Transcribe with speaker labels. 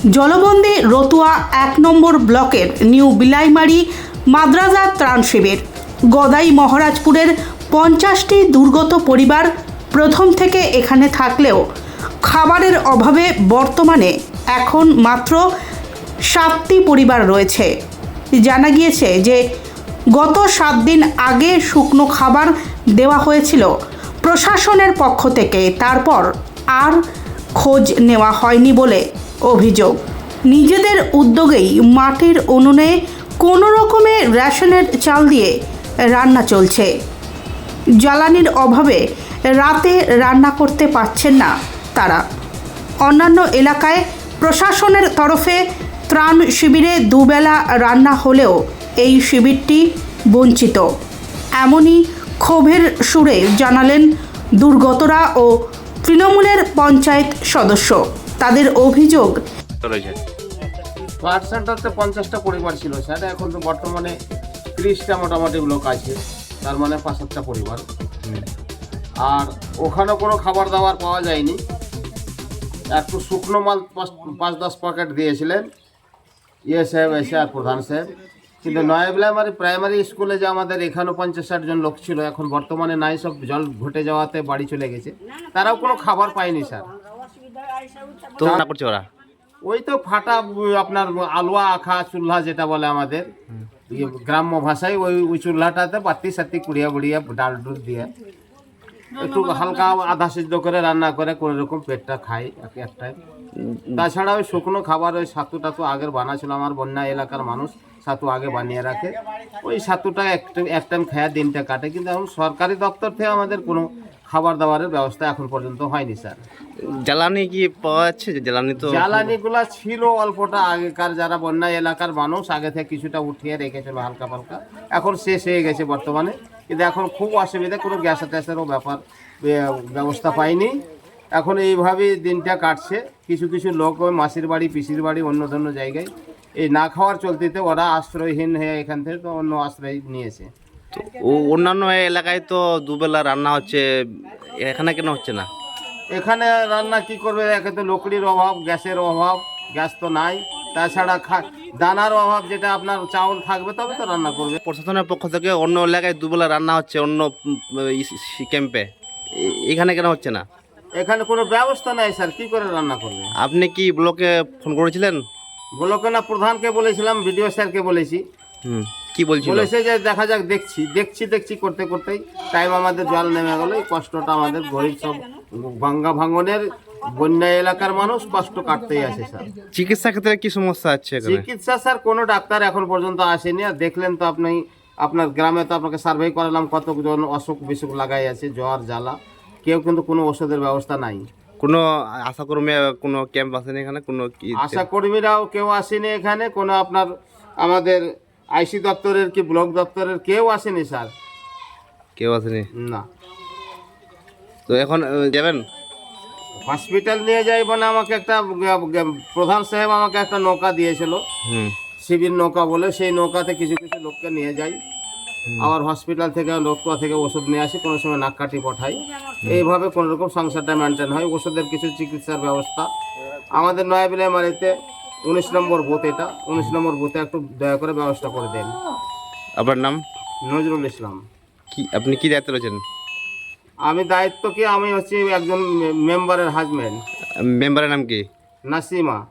Speaker 1: জলবন্দী রতুয়া ১ নম্বর ব্লকের নিউ বিলাইমারি মাদ্রাজা ত্রাণ শিবির। গদাই মহারাজপুরের ৫০টি দুর্গত পরিবার প্রথম থেকে এখানে থাকলেও খাবারের অভাবে বর্তমানে এখন মাত্র ৭টি পরিবার রয়েছে। জানা গিয়েছে যে গত ৭ দিন আগে শুকনো খাবার দেওয়া হয়েছিল প্রশাসনের পক্ষ থেকে, তারপর আর খোঁজ নেওয়া হয়নি বলে অভিযোগ। নিজেদের উদ্যোগেই মাটির উনুনে কোনো রকমে রেশনের চাল দিয়ে রান্না চলছে। জ্বালানির অভাবে রাতে রান্না করতে পারছেন না তারা। অন্যান্য এলাকায় প্রশাসনের তরফে ত্রাণ শিবিরে দুবেলা রান্না হলেও এই শিবিরটি বঞ্চিত। এমনই ক্ষোভের সুরে জানালেন দুর্গতরা ও তৃণমূলের পঞ্চায়েত সদস্য। তাদের অভিযোগ,
Speaker 2: ওয়ার্ড সেন্টারতে 50টা পরিবার ছিল স্যার, এখন তো বর্তমানে 30টা মোটামুটি লোক আছে, তার মানে 5-7টা পরিবার। আর ওখানে কোনো খাবার দাবার পাওয়া যায়নি। একটু শুকনো মাল 5-10 প্যাকেট দিয়েছিলেন সাহেব এসে আর প্রধান সাহেব। কিন্তু নয়াবিলাইমারি প্রাইমারি স্কুলে যে আমাদের এখানেও 50-60 জন লোক ছিল, এখন বর্তমানে নাই, সব জল ঘটে যাওয়াতে বাড়ি চলে গেছে। তারাও কোনো খাবার পায়নি স্যার।
Speaker 3: তো না করছে ওরা
Speaker 2: ওই তো ফাটা আপনার আলুয়া আখা চুল্লা যেটা বলে আমাদের গ্রাম্য ভাষায়, ওই চুল্লাটাতে বাতি সাতি কুড়িয়া বুড়িয়া ডাল ডুল দিয়ে একটু হালকা আধা সিদ্ধ করে রান্না করে কোনো রকম পেটটা খাই একটাই। তাছাড়া ওই শুকনো খাবার ওই ছাতু টাতু আগের বানা ছিল, আমার বন্যা এলাকার মানুষ ছাতু আগে বানিয়ে রাখে, ওই ছাতুটা এক টাইম খায়া দিনটা কাটে। কিন্তু এখন সরকারি দপ্তর থেকে আমাদের কোনো খাবার দাবারের ব্যবস্থা এখন পর্যন্ত হয়নি স্যার।
Speaker 3: জ্বালানি কি পাওয়া যাচ্ছে?
Speaker 2: জ্বালানিগুলা ছিল অল্পটা, আগেকার যারা বন্যা এলাকার মানুষ আগে থেকে কিছুটা উঠিয়ে রেখেছিল হালকা পালকা, এখন শেষ হয়ে গেছে বর্তমানে। কিন্তু এখন খুব অসুবিধা, কোনো গ্যাস ট্যাসেরও ব্যবস্থা পাইনি। এখন এইভাবেই দিনটা কাটছে। কিছু কিছু লোক ওই মাসির বাড়ি পিসির বাড়ি অন্য অন্য জায়গায় এই না খাওয়ার চলতিতে ওরা আশ্রয়হীন হয়ে এখান থেকে তো অন্য আশ্রয় নিয়েছে।
Speaker 3: অন্যান্য এলাকায় তো দুবেলা রান্না হচ্ছে, এখানে কেন হচ্ছে না?
Speaker 2: এখানে রান্না কি করবে, একে তো লকড়ির অভাব, গ্যাসের অভাব, গ্যাস তো নাই। তাছাড়া দানার অভাব, যেটা আপনার চাউল থাকবে তবে তো রান্না করবে।
Speaker 3: প্রশাসনের পক্ষ থেকে অন্য এলাকায় দুবেলা রান্না হচ্ছে অন্য ক্যাম্পে, এখানে কেন হচ্ছে না?
Speaker 2: এখানে কোনো ব্যবস্থা নাই স্যার, কি করে রান্না করবে?
Speaker 3: আপনি কি ব্লকে ফোন করেছিলেন?
Speaker 2: ব্লকে না, প্রধানকে বলেছিলাম, বিডিও স্যারকে বলেছি।
Speaker 3: কি
Speaker 2: বলেছে যে দেখা যাক, দেখছি করতে করতেই টাইম আমাদের জল নেমে গেল। এই কষ্টটা আমাদের গরিব সব ভাঙনের বন্যা এলাকার মানুষ কষ্ট কাটতেই আছে স্যার।
Speaker 3: চিকিৎসা ক্ষেত্রে কি সমস্যা আছে?
Speaker 2: চিকিৎসা স্যার কোনো ডাক্তার এখন পর্যন্ত আসেনি। আর দেখলেন তো আপনি, আপনার গ্রামে তো আপনাকে সার্ভে করালাম, কতজন অসুখ বিসুখ লাগাই আছে, জ্বর জ্বালা, কেউ কিন্তু কোনো ওষুধের ব্যবস্থা নাই।
Speaker 3: কোনো আশাকর্মী কোনো ক্যাম্প আসেনি এখানে? কোনো
Speaker 2: আশাকর্মীরাও কেউ আসেনি এখানে, কোনো আপনার আমাদের আইসি দপ্তরের কি ব্লক দপ্তরের কেউ আসেনি স্যার,
Speaker 3: কেউ আসেনি
Speaker 2: না।
Speaker 3: তো এখন যাবেন
Speaker 2: হসপিটাল নিয়ে যাই মানে আমাকে একটা প্রধান সাহেব আমাকে একটা নৌকা দিয়েছিল, শিবির নৌকা বলে, সেই নৌকাতে কিছু কিছু লোককে নিয়ে যাই, আবার হসপিটাল থেকে লোকটা থেকে ওষুধ নিয়ে আসি, কোনো সময় নাককাঠি পাঠাই। এইভাবে কোনো রকম সংসারটা মেনটেন হয়। ওষুধের কিছু চিকিৎসার ব্যবস্থা আমাদের নয়াবিলাইমারিতে 19 নম্বর বুথ, এটা 19 নম্বর বুথে একটু দয়া করে ব্যবস্থা করে দেন।
Speaker 3: আপনার নাম?
Speaker 2: নজরুল ইসলাম।
Speaker 3: আপনি কি দায়িত্ব রয়েছেন?
Speaker 2: আমি দায়িত্ব কি, আমি হচ্ছি একজন মেম্বারের হাজব্যান্ড।
Speaker 3: মেম্বারের নাম কি?
Speaker 2: নাসিমা।